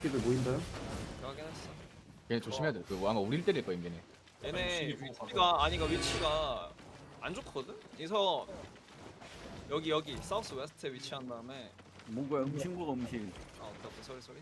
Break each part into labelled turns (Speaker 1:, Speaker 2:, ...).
Speaker 1: 들 모인다요?
Speaker 2: 하긴 했어.
Speaker 3: 얘네 조심해야 돼. 그 아마 우리를 때릴 거야 얘네.
Speaker 2: 얘네 위치가 아니가 위치가 안 좋거든. 그래서 여기 사우스 웨스트에 위치한 다음에
Speaker 4: 뭔가 음식물가 음식.
Speaker 2: 아 오케이 소리.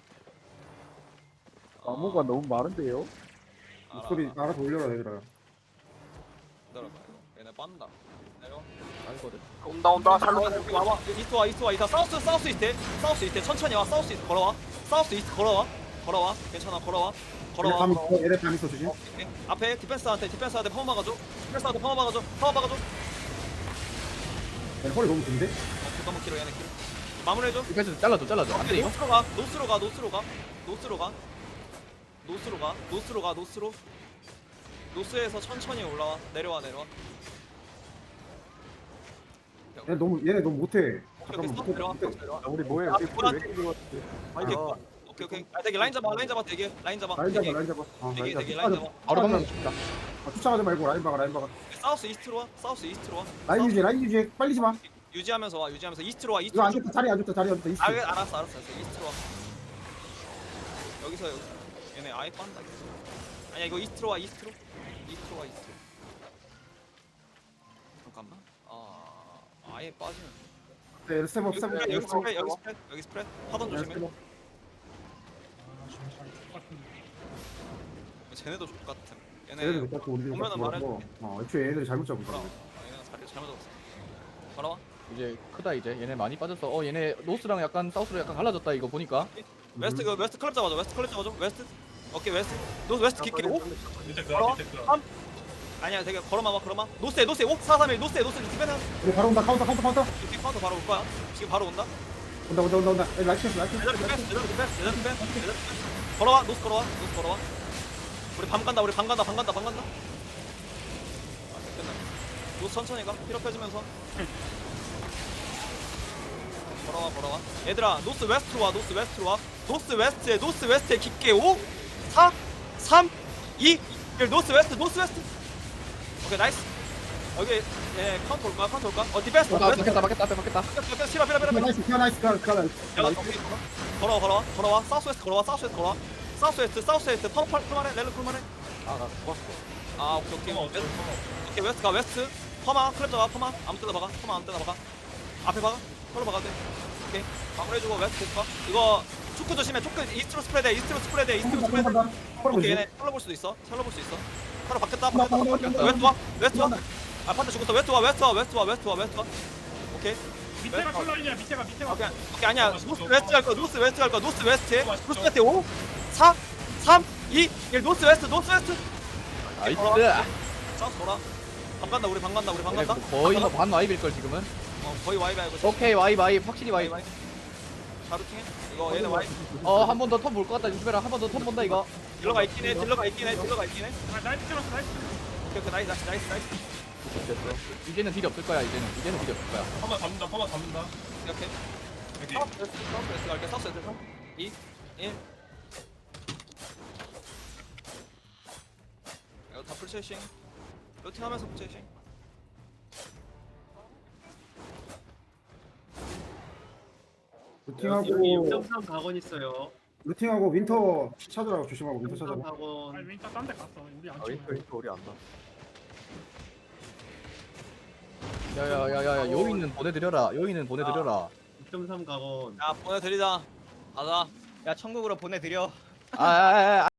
Speaker 1: 나무가 너무 많은데요? 목소리
Speaker 2: 알아.
Speaker 1: 알아서 올려라 얘들아.
Speaker 2: 기다려봐 이거. 얘네 빤다. 내려.
Speaker 3: 알거든.
Speaker 5: 온다
Speaker 2: 여기 와봐. 이스트 와. 이다 사우스 이스트 천천히 와. 사우스 이스트 걸어와. 사우스 이스트 걸어와. 괜찮아 걸어와.
Speaker 1: 얘네 감 있어 조심.
Speaker 2: 오케이. 앞에 디펜스한테 파워 막아줘. 파워 막아줘.
Speaker 1: 얘네 허리 너무 긴데?
Speaker 2: 너무 길어 얘네 길어. 마무리해줘.
Speaker 3: 이까지 잘라줘. 안 돼
Speaker 2: 오케이,
Speaker 3: 이거?
Speaker 2: 노스로. 노스에서 천천히 올라와. 내려와.
Speaker 1: 얘네 너무 못해.
Speaker 2: 오케이,
Speaker 1: 잠깐만
Speaker 2: 스톱
Speaker 1: 못해.
Speaker 2: 내려와.
Speaker 1: 우리 뭐해?
Speaker 2: 아,
Speaker 1: 우리
Speaker 2: 뭐야?
Speaker 1: 왜 이렇게
Speaker 2: 오케이. 오케이. 아, 되게 라인 잡아. 되게 라인 잡아.
Speaker 1: 라인 잡아.
Speaker 2: 되게 라인 잡아.
Speaker 3: 바로 방금 죽다.
Speaker 1: 쫓아가지 말고 라인 박아.
Speaker 2: 사우스 이스트로 와.
Speaker 1: 라인 유지. 빨리 지 마.
Speaker 2: 유지하면서 이스트로 와.
Speaker 1: 이거 안 좋다. 자리 안 좋다. 이스트.
Speaker 2: 알았어. 이스트로 와. 여기서 얘네 아예 빤다. 아니야 이거 이스트로 와. 잠깐만. 아예 빠지는.
Speaker 1: 네, 스텝업.
Speaker 2: 여기 스프레드. 하던 조심해. 쟤네도 족 같은.
Speaker 1: 얘네들 못 잡고 우리들
Speaker 2: 보면은 말해.
Speaker 1: 애초에 얘네들이 잘못 잡은
Speaker 2: 걸어.
Speaker 1: 거야.
Speaker 2: 얘네가 자리 잘못 잡았어. 걸어와.
Speaker 3: 이제 크다 이제. 얘네 많이 빠졌어. 얘네 노스랑 약간 사우스로 약간 갈라졌다 이거 보니까.
Speaker 2: 웨스트 클럽 잡아줘. 웨스트. 오케이 웨스트. 노스 웨스트 킥 오.
Speaker 5: 밑에
Speaker 2: 걸어.
Speaker 5: 밑에 그
Speaker 2: 3. 아니야 되게 걸어마. 노스에 5 4 3 1 노스에 디펜스.
Speaker 1: 우리 바로 온다. 카운터.
Speaker 2: 이렇게 카운터 바로 올 거야. 지금 바로 온다.
Speaker 1: 온다. 라이트.
Speaker 2: 얘들아 디펜스. 걸어와. 노스 걸어와. 우리 밤 간다. 아, 끝났네. 노스 천천히 가. 힐업 해주면서. 걸어와. 얘들아 노스 웨스트로 와. 노스 웨스트에 깊게 5 4 3 2 1 노스 웨스트. 오케이 나이스. 여기 예 카운터 올까? 디펜스.
Speaker 3: 막혔다. 앞에 막혔다.
Speaker 2: 실어.
Speaker 1: 나이스.
Speaker 2: 걸어와. 사우스 웨스트. 펄만해. 렐로 펄만해.
Speaker 3: 아나 죽었어.
Speaker 2: 아 오케이. 오케이 웨스트. 퍼마 클랩 잡아. 퍼마 아무 때나 박아. 앞에 박아. 펄로 박아도 돼. 오케이. 마무리해주고 웨스트 봐. 이거 초크 조심해. 이스트로 스프레드. 오케이 얘네 털러 볼 수도 있어. 털러 바뀌었다. 웨스트 와. 아 판다 죽었어. 웨스트 와. 오케이.
Speaker 5: 밑에가 컬러이냐 밑에가
Speaker 2: 오케이 아니야. 노스 웨스트 갈 거야. 노스 웨스트에 5 4 3 2 1 노스 웨스트.
Speaker 3: 나이스.
Speaker 2: 사우스 돌아. 방 간다. 우리 방 간다.
Speaker 3: 얘네 거의 반 와입일 걸 지금은.
Speaker 2: 거의 와이브 알고 있어.
Speaker 3: 오케이 와입 확실히 와입.
Speaker 2: 자루팅해. 이거 얘네 와이브.
Speaker 3: 한 번 더 턴 볼 것 같다. 유수베라 한 번 더 턴 본다 이거.
Speaker 2: 딜러가 있긴 해.
Speaker 5: 나이스
Speaker 2: 오케이 나이스.
Speaker 3: 됐어. 이제는 딜이 없을 거야.
Speaker 5: 퍼마 잡는다
Speaker 2: 이렇게.
Speaker 5: 여기
Speaker 2: 사우스 갈게. 사우스 3 2 1 이거 다 풀체싱. 루팅하면서 풀체싱.
Speaker 1: 루팅하고
Speaker 6: 6.3 각원 있어요.
Speaker 1: 윈터 찾으라고 조심하고 윈터
Speaker 6: 6.3
Speaker 1: 찾아봐.
Speaker 6: 각원.
Speaker 5: 아니 윈터 딴데 갔어 우리 안 찍어
Speaker 1: 우리 안다.
Speaker 3: 야야야야 요인은 보내드려라.
Speaker 6: 6.3 각원.
Speaker 2: 야 보내드리자. 가자.
Speaker 4: 야 천국으로 보내드려.
Speaker 3: 아